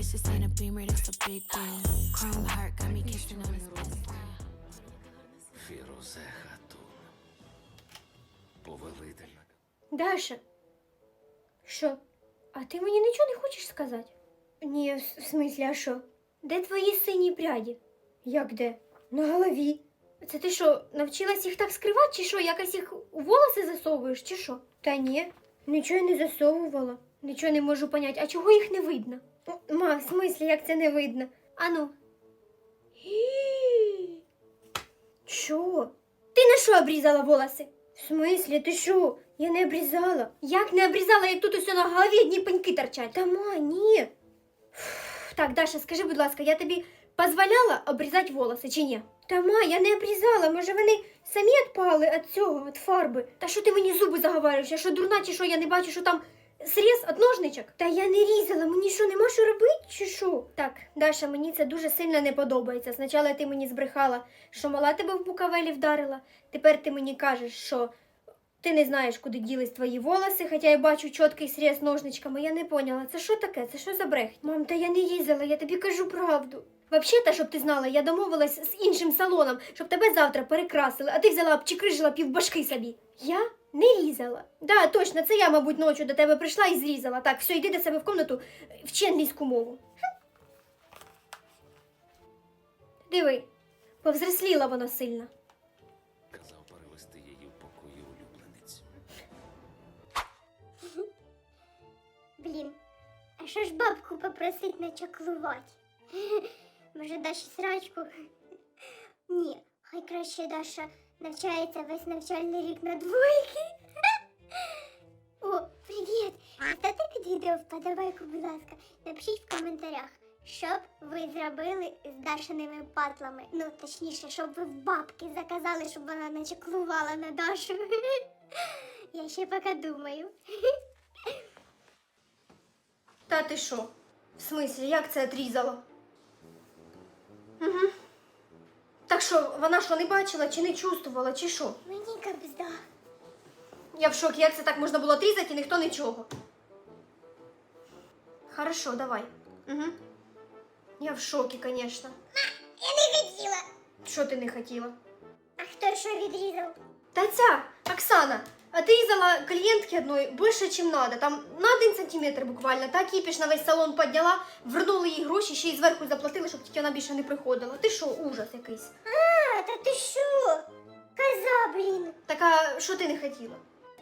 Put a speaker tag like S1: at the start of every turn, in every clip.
S1: This ain't a Beamer, that's a big deal. Chrome heart got me kissing on his best friend.
S2: Фірузе Хатун. Повелитель.
S3: Даша, що? А ти мені нічого не хочеш сказати? Ні, в смислі, а що? Де твої сині пряді? Як де? На голові. Це ти що, навчилась їх так скривати, чи що? Якось їх у волоси засовуєш, чи що? Та ні, нічого не засовувала. Нічого не можу поняти. А чого їх не видно? Ма, в смислі, як це не видно? Ану. Що? Ти на що обрізала волоси? В смислі, ти що? Я не обрізала. Як не обрізала, як тут усе на голові одні пеньки торчать? Та ма, ні. Так, Даша, скажи, будь ласка, я тобі дозволяла обрізати волоси чи ні? Та ма, я не обрізала, може вони самі відпали від цього, від фарби? Та що ти мені зуби заговарюєш? Я що, дурна чи що, я не бачу, що там сріз від ножничок? Та я не різала, мені що, нема що робити чи що? Так, Даша, мені це дуже сильно не подобається. Спочатку ти мені збрехала, що мала тебе в Букавелі вдарила, тепер ти мені кажеш, що ти не знаєш, куди ділись твої волоси, хоча я бачу чіткий сріз ножничками. Я не поняла, це що таке? Це що за брехня? Мам, та я не різала, я тобі кажу правду. Взагалі-то, щоб ти знала, я домовилась з іншим салоном, щоб тебе завтра перекрасили, а ти взяла обчикрижила півбашки собі. Я не різала. Да, точно, це я, мабуть, ночі до тебе прийшла і зрізала. Так, все, йди до себе в кімнату, вчи англійську мову. Диви, повзросліла вона сильно.
S2: Казав перевести її в покої улюблениць.
S4: Блін, а що ж бабку попросить начаклувати? Може, Даші срачку? Ні, хай краще Даша навчається весь навчальний рік на двойки. О, привіт! Ставте під відео вподобайку, будь ласка. Напишіть в коментарях, що б ви зробили з Дашиними патлами. Ну, точніше, щоб ви в бабки заказали, щоб вона начаклувала на Дашу. Я ще поки думаю.
S3: Та ти що? В смислі, як це отрізала? Угу. Так що, вона що, не бачила, чи не чувствувала, чи що?
S4: Мені кабзда.
S3: Я в шокі, як це так можна було отрізати і ніхто нічого. Хорошо, давай. Угу. Я в шокі, звісно.
S4: Я не хотіла.
S3: Що ти не хотіла?
S4: А хто що відрізав?
S3: Та ця, Оксана, отрізала клієнтки одної більше, ніж треба. Там на 1 сантиметр буквально. Та кіпіш на весь салон підняла, вернули їй гроші, ще й зверху заплатили, щоб тільки вона більше не приходила. Ти що, ужас якийсь.
S4: А, та ти що? Коза, блін.
S3: Так, а що ти не хотіла?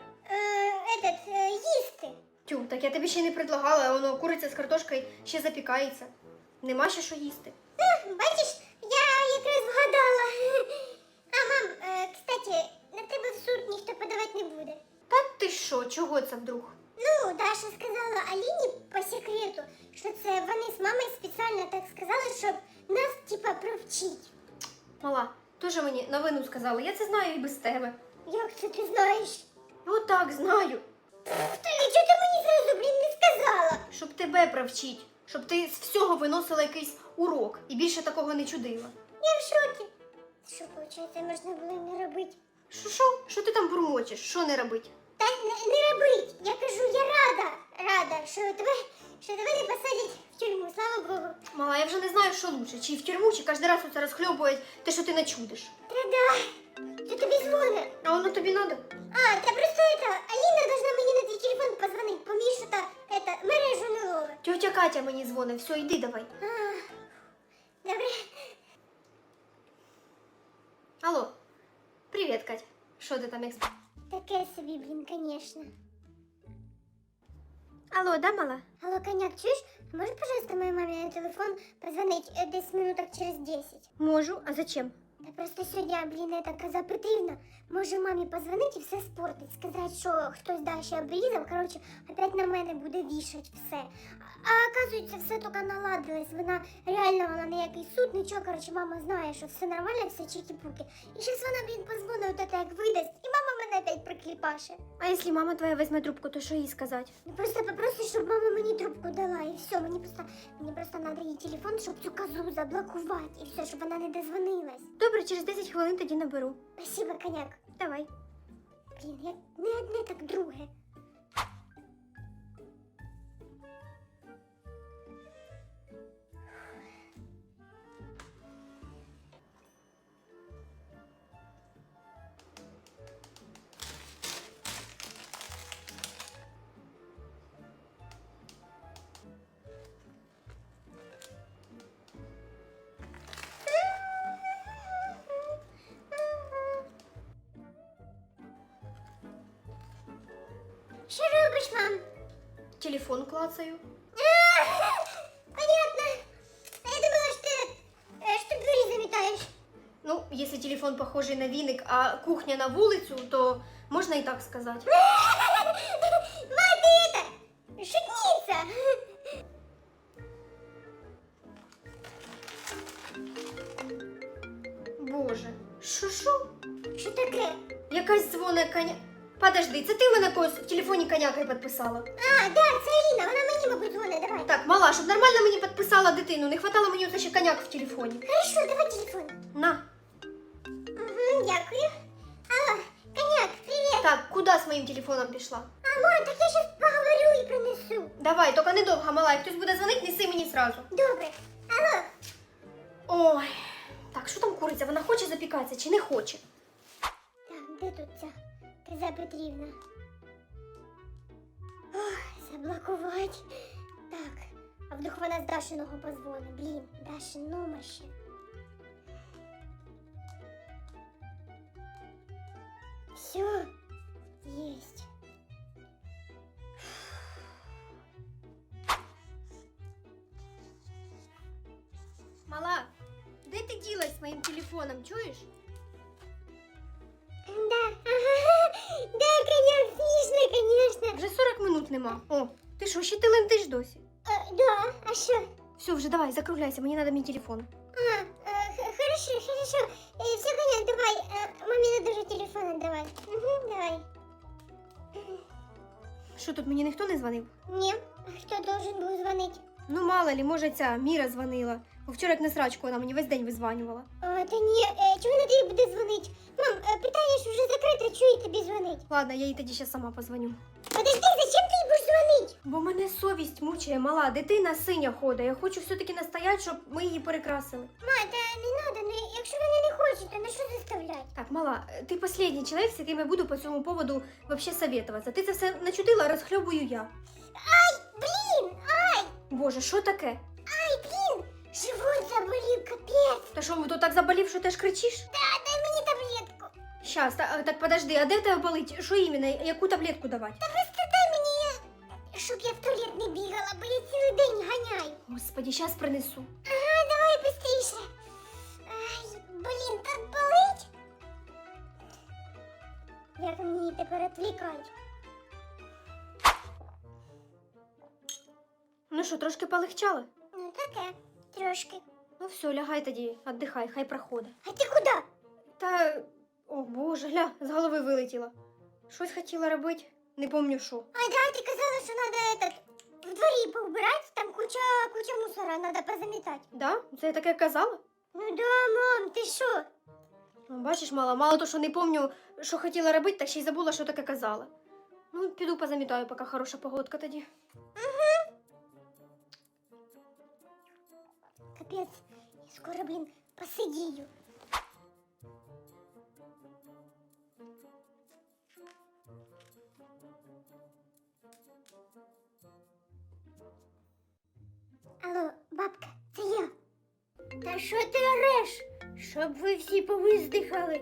S4: Їсти.
S3: Тю, так я тобі ще й не предлагала, а воно куриця з картошкою ще запікається. Нема ще що їсти.
S4: Бачиш, я якраз вгадала. А, мам, кстати, на тебе в суд ніхто подавати не буде.
S3: Та ти що, чого це вдруг?
S4: Ну, Даша сказала Аліні по секрету, що це вони з мамою спеціально так сказали, щоб нас, типа, провчить.
S3: Мала, теж мені новину сказала, я це знаю і без тебе.
S4: Як це ти знаєш?
S3: Отак, знаю.
S4: Та нічого ти мені зразу, блін, не сказала.
S3: Щоб тебе провчить, щоб ти з всього виносила якийсь урок і більше такого не чудила.
S4: Я в шокі. Що, виходить, можна було не робити?
S3: Що? Що ти там бурмочеш? Що не робить?
S4: Та не робить. Я кажу, я рада, що тебе не посадять в тюрму, слава Богу.
S3: Мала, я вже не знаю, що лучше, чи в тюрму, чи кожен раз оце розхльобують те, що ти начудиш.
S4: Та-да, то тобі дзвонить.
S3: А воно тобі надо?
S4: А, та просто Аліна должна мені на твій телефон позвонити, бо Міша мережу не ловить.
S3: Тьотя Катя мені дзвонить, все, йди давай.
S4: Добре.
S3: Алло, привіт, Катя. Що ти там як...
S4: Таке собі, блін, конечно.
S3: Алло, да, мала?
S4: Алло, коняк, чуєш? Можеш, пожалуйста, моїй мамі на телефон позвонить десь минуток через 10?
S3: Можу, а зачем?
S4: Та просто сьогодні, блін, эта коза Петрівна може мамі позвонити і все спортить, сказати, що хтось Даші обрізав, коротше, опять на мене буде вішать все. А оказується, все тільки наладилось, вона ніякий суд, нічого, коротше, мама знає, що все нормально, все чики-пуки. І зараз вона, блін, позвонить, от як видасть, і мама мене опять прикліпаше.
S3: А якщо мама твоя візьме трубку, то що їй сказати?
S4: Ну просто попроси, щоб мама мені трубку дала, і все, мені просто треба її телефон, щоб цю козу заблокувати, і все, щоб вона не дозвонилась.
S3: Добре, через 10 хвилин тоді наберу.
S4: Спасибо, коняк.
S3: Давай.
S4: Блін, як не одне, так друге. Що робиш, мам?
S3: Телефон клацаю.
S4: Понятно. А я думала, що ти двері замітаєш.
S3: Ну, если телефон похожий на віник, а кухня на вулицю, то можна і так сказати.
S4: Мать, ты это, шутница.
S3: Боже, що?
S4: Що таке?
S3: Якась дзвоне коня. Подожди, це ти мене когось в телефоні конякою підписала?
S4: А, да, це Аліна, вона мені, мабуть, дзвонить, давай.
S3: Так, мала, щоб нормально мені підписала дитину, не хватало мені оце ще коняк в телефоні.
S4: Хорошо, давай телефон.
S3: На.
S4: Угу, дякую. Алло, коняк, привіт.
S3: Так, куди з моїм телефоном пішла?
S4: А, мам, так я щас поговорю і принесу.
S3: Давай, тільки недовго, мала, як хтось буде дзвонити, неси мені сразу.
S4: Добре. Алло.
S3: Ой, так, що там куриця? Вона хоче запікатися чи не хоче?
S4: Так, де тут ця Тереза Петрівна? Ох, заблокувати. Так, а вдруг вона з Дашиного позвонить. Блін, Дашин номер ще. Все, есть.
S3: Мала, де ти ділась з моїм телефоном, чуєш?
S4: Да, ага, да, конечно, смішно, конечно.
S3: Вже 40 минут нема. О, ти що, ще ти лентиш досі?
S4: Да, а що?
S3: Все, вже давай, закругляйся, мені треба мій телефон.
S4: Хорошо, хорошо. Все, коняк, давай. Мамі не дуже телефон отдавай. Угу, давай.
S3: Що тут, мені ніхто не дзвонив?
S4: Не, хто должен був дзвонити?
S3: Ну, мало ли, може ця Міра дзвонила. Бо вчора як на срачку вона мені весь день визванювала.
S4: Та ні, чого вона тобі буде дзвонити? Мам, питання ж вже закрите, чого їй тобі дзвонить?
S3: Ладно, я їй тоді ще сама позвоню.
S4: Подожди, зачем ти їй будеш дзвонити?
S3: Бо мене совість мучає, мала, дитина синя ходить. Я хочу все-таки настояти, щоб ми її перекрасили.
S4: Ма, та не надо, ну якщо вона не хоче, то на що заставляти?
S3: Так, мала, ти останній чоловік, з яким я буду по цьому поводу вообще советуватися. Ти це все начудила, розхльобую я.
S4: Блін, ай,
S3: Боже, що таке?
S4: ай, блін, живот заболів, капець.
S3: Та що, то так заболів, що теж кричиш?
S4: Да, дай мені таблетку.
S3: Щас, так подожди, а де в тебе болить? Що іменно? Яку таблетку давати?
S4: Та просто дай мені, щоб я в туалет не бігала, бо я цілий день ганяю.
S3: Господи, щас принесу.
S4: Ага, давай быстріше. Ай, блін, так болить. Як мені тепер відвлікати?
S3: Ну що, трошки полегчало?
S4: Ну таке, трошки.
S3: Ну все, лягай тоді, віддихай, хай проходить.
S4: А ти куди?
S3: Та, о боже, гля, з голови вилетіла. Щось хотіла робити, не помню що.
S4: А да, ти казала, що треба в дворі поубирати, там куча мусора, треба позамітати.
S3: Да? Це я таке казала?
S4: Ну да, мам, ти що?
S3: Ну, бачиш, мало то, що не помню, що хотіла робити, так ще й забула, що таке казала. Ну, піду позамітаю, поки хороша погодка тоді.
S4: Капець, я скоро, блін, посидію. Алло, бабка, це я. Та що ти ореш? Щоб ви всі повиздихали.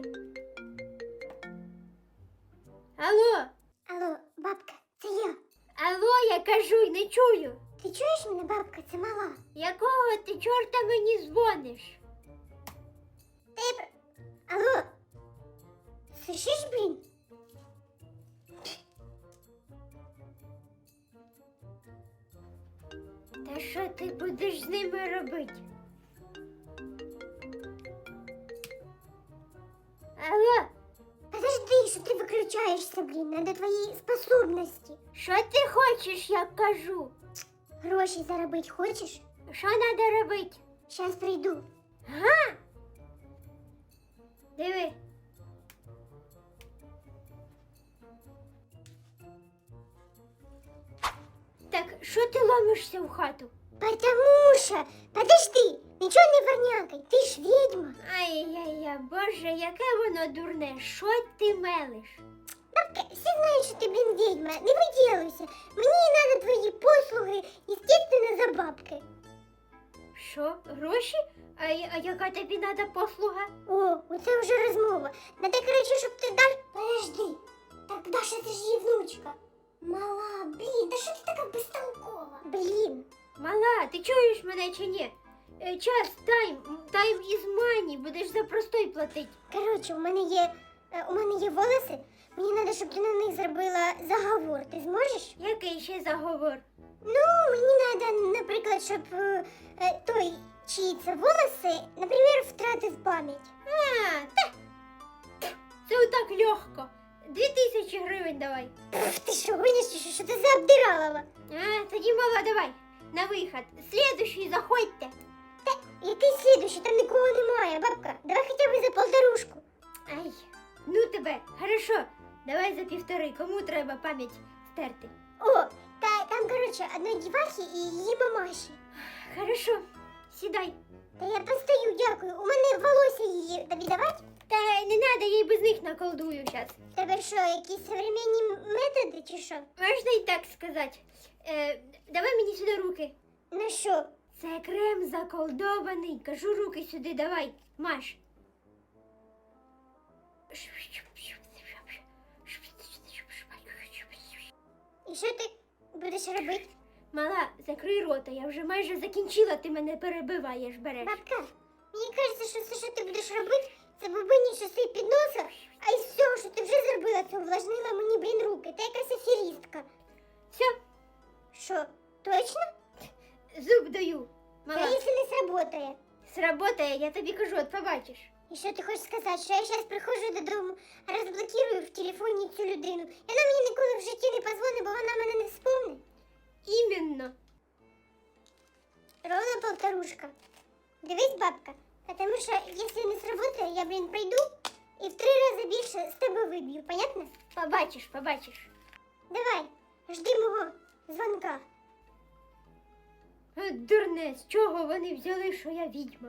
S3: Алло!
S4: Алло, бабка, це я.
S3: Алло, я кажу й не чую.
S4: Ти чуєш мене, бабка, це мала?
S3: Якого ти чорта мені дзвониш?
S4: Алло, слышиш, блін?
S3: Та що ти будеш з ними робити? Алло,
S4: Подожди, що ти виключаєшся, блін, надо твої способності.
S3: що ти хочеш, я кажу?
S4: Гроші заробити хочеш?
S3: Що треба робити?
S4: Щас прийду.
S3: Диви. Так, що ти ломишся в хату?
S4: Потому що, подожди, нічого не вернякай, ти ж відьма.
S3: Ай-яй-яй, боже, яке воно дурне, що ти мелиш?
S4: Бабка, всі знають, що ти, блін, відьма, не виділуйся. Мені треба твої послуги, естественно, за бабки.
S3: Що, гроші? А яка тобі треба послуга?
S4: О, оце вже розмова. Надо, коротше, щоб ти даш... Подожди, так Даша, це ж її внучка. Мала, блін, та що ти така безтолкова? Блін.
S3: Мала, ти чуєш мене чи ні? Час, тайм із мані, будеш за простой платить.
S4: Коротше, у мене є волоси. Мені треба, щоб ти на них зробила заговор. Ти зможеш?
S3: Який ще заговор?
S4: Ну, мені треба, наприклад, щоб той, чиї це волоси, наприклад, втратив пам'ять.
S3: Це отак легко. 2000 гривень давай.
S4: Пф, ти що, гониш, чи що ти за обдиралова?
S3: Тоді мала, давай. На виход. Слідущий заходьте.
S4: Який слідуючий? Там нікого немає, бабка. Давай хоча б за полторушку.
S3: Ай, ну тебе. Хорошо. Давай за 1,5. Кому треба пам'ять стерти?
S4: О, там, коротше, одної дівахи і її мамаші.
S3: Хорошо. Сідай.
S4: Та я постою, дякую. У мене волосся її тобі давати?
S3: Та не надо, я й без них наколдую зараз.
S4: Тебе що, якісь современні методи чи що?
S3: Можна і так сказати. Давай мені сюди руки.
S4: Ну що?
S3: Це крем заколдований. Кажу, руки сюди давай. Маш.
S4: І що ти будеш робити?
S3: Мала, закрий рота, я вже майже закінчила, ти мене перебиваєш, береш.
S4: Бабка, мені кажеться, що все, що ти будеш робити, це бубині часи під носа, а із всього, що ти вже зробила, це увлажнила мені, блін, руки. Ти якась аферістка.
S3: Все,
S4: Що, точно?
S3: зуб даю.
S4: Та
S3: Мала,
S4: якщо не сработає?
S3: сработає, я тобі кажу, от побачиш.
S4: І що ти хочеш сказати, що я зараз приходжу додому, розблокирую в телефоні цю людину, і вона мені ніколи в житті не позвонить, бо вона мене не вспомне?
S3: Іменно.
S4: Ровно полторушка. Дивись, бабка, потому що якщо не сработає, я, блін, прийду і в 3 рази більше з тебе виб'ю, понятно?
S3: Побачиш, побачиш.
S4: Давай, жди мого дзвонка.
S3: Дурне, з чого вони взяли, що я відьма?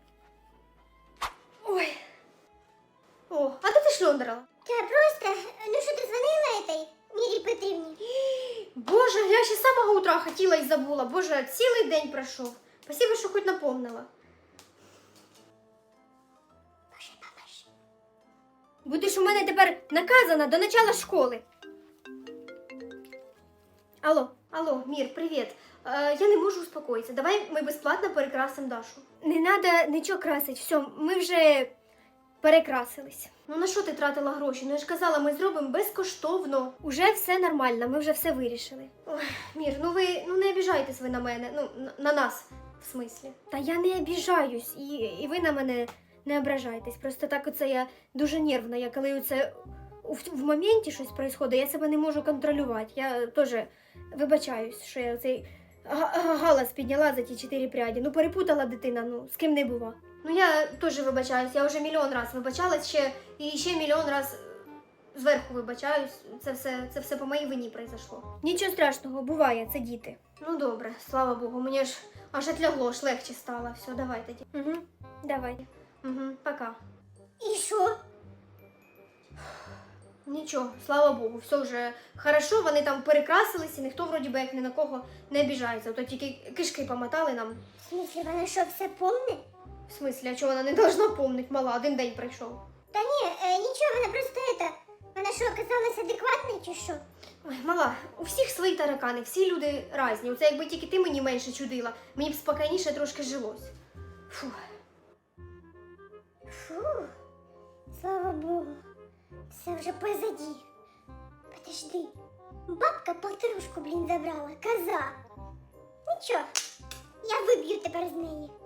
S3: Ой. О, а де ти шльондрала?
S4: Та просто, ну що ти дзвонила этой Мірі Петрівні?
S3: Боже, я ще з самого утра хотіла і забула. Боже, цілий день пройшов. Спасибо, що хоч напомнила.
S4: Боже, бабаш.
S3: Будеш у мене тепер наказана до начала школи. Алло, Мір, привіт. Я не можу успокоїтися. Давай ми безплатно перекрасимо Дашу. Не треба нічого красити. Все, ми вже перекрасились. Ну на що ти тратила гроші? Ну я ж казала, ми зробимо безкоштовно. Уже все нормально, ми вже все вирішили. Ой, Мір, ну ви не обіжайтесь ви на мене. Ну, на нас, в смислі. Та я не обіжаюсь, і ви на мене не ображайтесь. Просто так оце я дуже нервна. Я коли оце в моменті щось відбувається, я себе не можу контролювати. Я теж вибачаюсь, що я цей галас підняла за ті 4 пряді. Ну перепутала дитина, ну з ким не бува. Ну я теж вибачаюсь, я вже мільйон раз вибачалась ще мільйон раз зверху вибачаюсь. Це все по моїй вині произошло. Нічого страшного, буває, це діти. Ну добре, слава Богу, мені ж аж отлягло, аж легче стало. Все, давай тоді. Угу, давай. Угу, пока.
S4: І що?
S3: Нічого, слава Богу, все вже хорошо, вони там перекрасились і ніхто вроді би як ні на кого не обіжається. Ото тільки кишки помотали нам.
S4: В смислі, вона що, все помне?
S3: В смислі, а чого вона не должна помнить, мала, один день пройшов.
S4: Та ні, нічого, вона просто вона що, оказалась адекватною чи що?
S3: Ой, мала, у всіх свої таракани, всі люди різні. Оце якби тільки ти мені менше чудила, мені б спокійніше трошки жилось. Фу.
S4: Фу, слава Богу, все вже позаді. Подожди, бабка полторушку, блін, забрала, коза. Нічого, я виб'ю тепер з неї.